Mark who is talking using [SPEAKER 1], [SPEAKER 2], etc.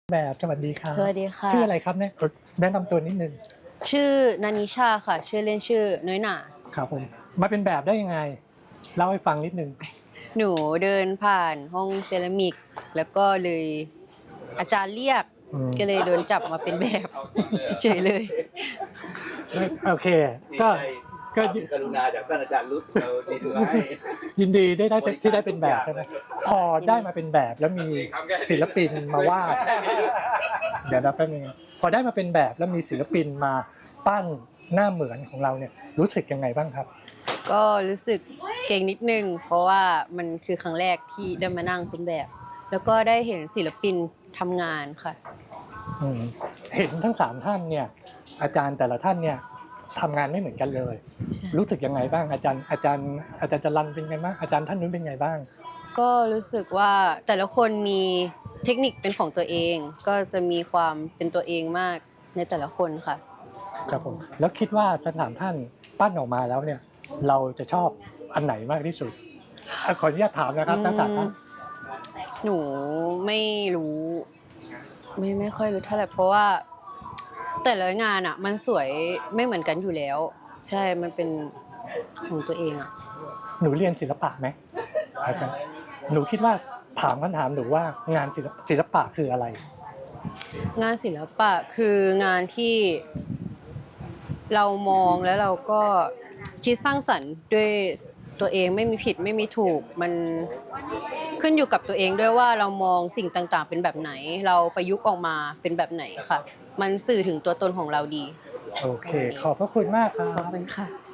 [SPEAKER 1] แบบสวัสดีครับ
[SPEAKER 2] สวัสดีค่ะ
[SPEAKER 1] ชื่ออะไรครับเนี่ยแนะนำตัวนิดนึง
[SPEAKER 2] ชื่อนานิชาค่ะชื่อเล่นชื่อน้อยหน่า
[SPEAKER 1] ครับผมมาเป็นแบบได้ยังไงเล่าให้ฟังนิดนึง
[SPEAKER 2] หนูเดินผ่านห้องเซรามิกแล้วก็เลยอาจารย์เรียกก็เลยโดนจับมาเป็นแบบเฉยเลย
[SPEAKER 1] โอเคก็ก็
[SPEAKER 3] กรุณาจากท่านอาจารย์รุตเราดีถูกไหม
[SPEAKER 1] ยินดีได้ที่ได้เป็นแบบใช่ไหมพอได้มาเป็นแบบแล้วมีศิลปินมาวาดเดี๋ยวนะแป๊บนึงพอได้มาเป็นแบบแล้วมีศิลปินมาปั้นหน้าเหมือนของเราเนี่ยรู้สึกยังไงบ้างครับ
[SPEAKER 2] ก็รู้สึกเก่งนิดนึงเพราะว่ามันคือครั้งแรกที่ได้มานั่งเป็นแบบ แล้วก็ได้เห็นศิลปินทำงานค่ะ
[SPEAKER 1] เห็นทั้ง3ท่านเนี่ยอาจารย์แต่ละท่านเนี่ยทำงานไม่เหมือนกันเลยรู้สึกยังไงบ้างอาจารย์จรัญเป็นไงบ้างอาจารย์ท่านนู้นเป็นไงบ้าง
[SPEAKER 2] ก็รู้สึกว่าแต่ละคนมีเทคนิคเป็นของตัวเองก็จะมีความเป็นตัวเองมากในแต่ละคนค่ะ
[SPEAKER 1] ครับผมแล้วคิดว่า3ท่านปั้นออกมาแล้วเนี่ยเราจะชอบอันไหนมากที่สุดขออนุญาตถามนะครับทั้ง3ท่าน
[SPEAKER 2] หนูไม่รู้ไม่ค่อยรู้เท่าไหร่เพราะว่าแต่ละงานอ่ะมันสวยไม่เหมือนกันอยู่แล้วใช่มันเป็นของตัวเองอ่ะ
[SPEAKER 1] หนูเรียนศิลปะไหมหนูคิดว่าถามคำถามหนูว่างานศิลปะคืออะไร
[SPEAKER 2] งานศิลปะคืองานที่เรามองแล้วเราก็คิดสร้างสรรค์ด้วยตัวเองไม่มีผิดไม่มีถูกมันขึ้นอยู่กับตัวเองด้วยว่าเรามองสิ่งต่างๆเป็นแบบไหนเราประยุกต์ออกมาเป็นแบบไหนค่ะมันสื่อถึงตัวตนของเราดี
[SPEAKER 1] โอเคขอบพระคุณมากครับ
[SPEAKER 2] ขอบคุณค่ะ